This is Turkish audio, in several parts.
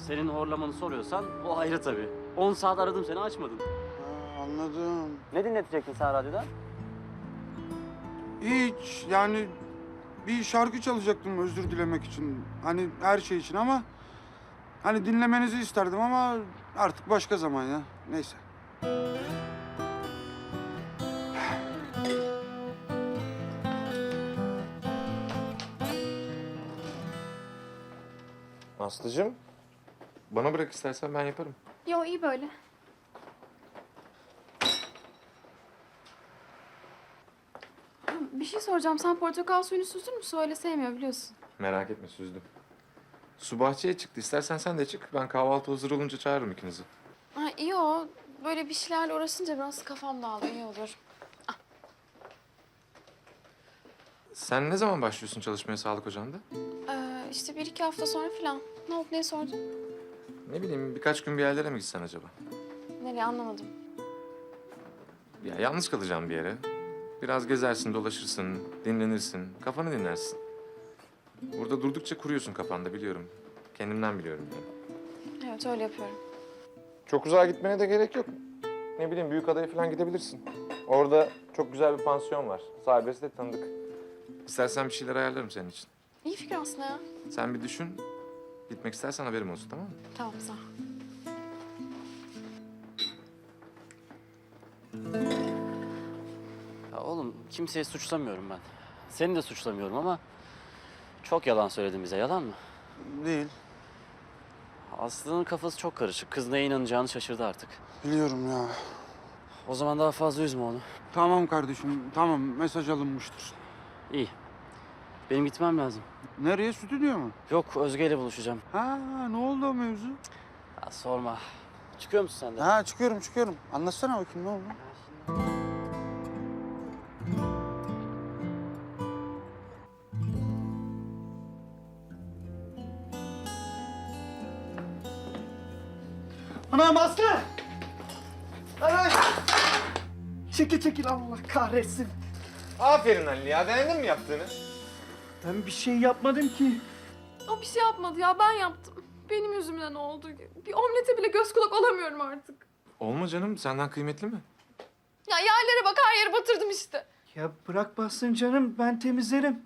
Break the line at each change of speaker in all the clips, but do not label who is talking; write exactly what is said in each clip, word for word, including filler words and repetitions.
senin horlamanı soruyorsan o ayrı tabii. On saat aradım seni açmadın.
Ha, anladım.
Ne dinletecektin sen radyoda?
Hiç yani bir şarkı çalacaktım özür dilemek için. Hani her şey için ama hani dinlemenizi isterdim ama artık başka zaman ya. Neyse.
Aslıcığım, bana bırak istersen ben yaparım.
Yo iyi böyle. Bir şey soracağım. Sen portakal suyunu süzdün mü? Su öyle sevmiyor biliyorsun.
Merak etme, süzdüm. Su bahçeye çıktı. İstersen sen de çık. Ben kahvaltı hazır olunca çağırırım ikinizi.
Ha iyi o. Böyle bir şeylerle uğraşınca biraz kafam dağılıyor. İyi olur.
Sen ne zaman başlıyorsun çalışmaya sağlık ocağında?
Ee, işte bir iki hafta sonra falan. Ne oldu? Niye sordun?
Ne bileyim, birkaç gün bir yerlere mi gitsen acaba?
Nereye anlamadım.
Ya yalnız kalacağım bir yere. Biraz gezersin, dolaşırsın, dinlenirsin, kafanı dinlersin. Burada durdukça kuruyorsun kafanda, biliyorum. Kendimden biliyorum yani.
Evet öyle yapıyorum.
Çok uzağa gitmene de gerek yok. Ne bileyim, Büyükada'ya falan gidebilirsin. Orada çok güzel bir pansiyon var. Sahibesi de tanıdık. İstersen bir şeyler ayarlarım senin için.
İyi fikir aslında ya.
Sen bir düşün. Gitmek istersen haberim olsun, tamam mı?
Tamam sağ ol.
Ya oğlum kimseyi suçlamıyorum ben. Seni de suçlamıyorum ama çok yalan söyledin bize. Yalan mı?
Değil.
Aslı'nın kafası çok karışık. Kız neye inanacağını şaşırdı artık.
Biliyorum ya.
O zaman daha fazla üzme onu.
Tamam kardeşim tamam mesaj alınmıştır.
İyi. Benim gitmem lazım.
Nereye stüdyo mu?
Yok Özge ile buluşacağım.
Ha ne oldu o mevzu?
Ya sorma. Çıkıyor musun sen de?
Ha çıkıyorum çıkıyorum. Anlatsana bakayım ne oldu?
Anam Aslı! Ay! Çekil çekil Allah kahretsin.
Aferin Ali ya. Beğendin mi yaptığını?
Ben bir şey yapmadım ki.
O bir şey yapmadı ya. Ben yaptım. Benim yüzümden oldu. Bir omlete bile göz kulak olamıyorum artık.
Olma canım. Senden kıymetli mi?
Ya yerlere bak her yeri batırdım işte.
Ya bırak bassın canım ben temizlerim.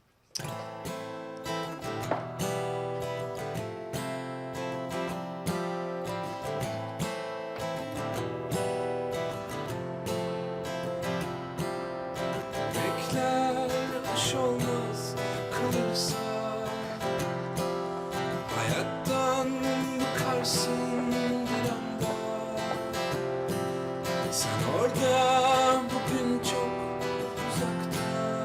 Bekler aş olmaz kalırsa hayattan bıkarsın bir anda. Sen orada bugün çok uzakta.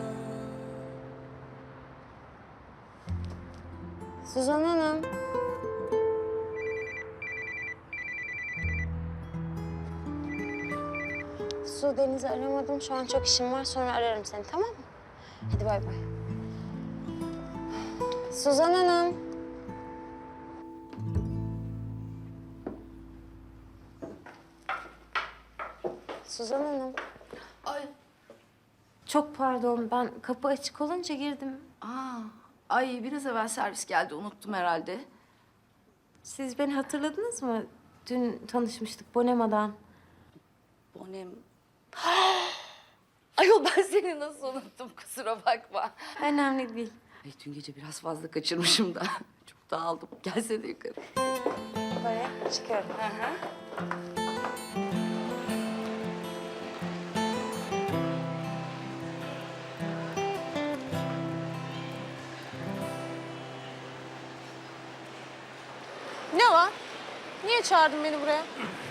Suzan Hanım. Su, Deniz'i aramadım. Şu an çok işim var. Sonra ararım seni, tamam mı? Hadi bay bay. Suzan Hanım. Suzan Hanım.
Ay,
Çok pardon. Ben kapı açık olunca girdim.
aa, ay biraz evvel servis geldi, unuttum herhalde.
Siz beni hatırladınız mı? Dün tanışmıştık Bonema'dan.
Bonem. Ayol ben seni nasıl unuttum, kusura bakma.
Önemli değil.
Ay dün gece biraz fazla kaçırmışım da. Çok dağıldım. Gelsene yukarı.
Buraya çıkıyorum.
Ne var? Niye çağırdın beni buraya?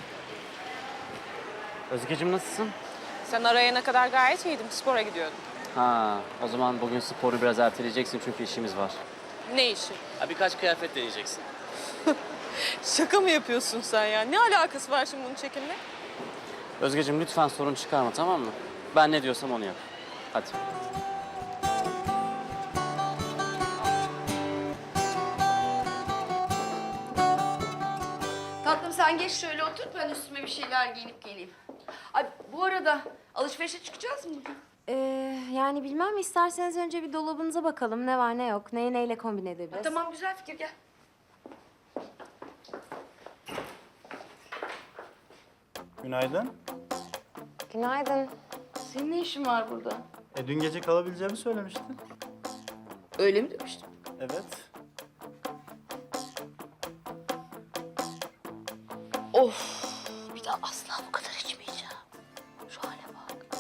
Özgeciğim nasılsın?
Sen arayana kadar gayet iyiydim. Spora gidiyordum.
Ha, o zaman bugün sporu biraz erteleyeceksin çünkü işimiz var.
Ne işi?
Ha, birkaç kıyafet deneyeceksin.
Şaka mı yapıyorsun sen ya? Ne alakası var şimdi bunun çekimle?
Özgeciğim lütfen sorun çıkarma, tamam mı? Ben ne diyorsam onu yap. Hadi.
Tatlım sen geç şöyle otur, ben üstüme bir şeyler giyinip geleyim. Ay bu arada alışverişe çıkacağız mı bugün?
Ee, yani bilmem, isterseniz önce bir dolabınıza bakalım. Ne var ne yok, neyi neyle kombin edebiliriz.
Tamam güzel fikir, gel.
Günaydın.
Günaydın.
Senin ne işin var burada?
E, dün gece kalabileceğimi söylemiştin.
Öyle mi demiştim?
Evet.
Of! Bir daha asla bu kadar içmeyeceğim. Şu hale bak.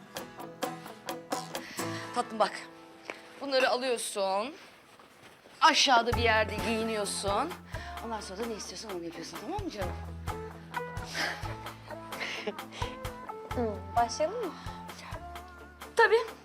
Tatlım bak. Bunları alıyorsun. Aşağıda bir yerde giyiniyorsun. Ondan sonra da ne istiyorsan onu yapıyorsun, tamam mı canım?
Hı, başlayalım mı?
Tabii.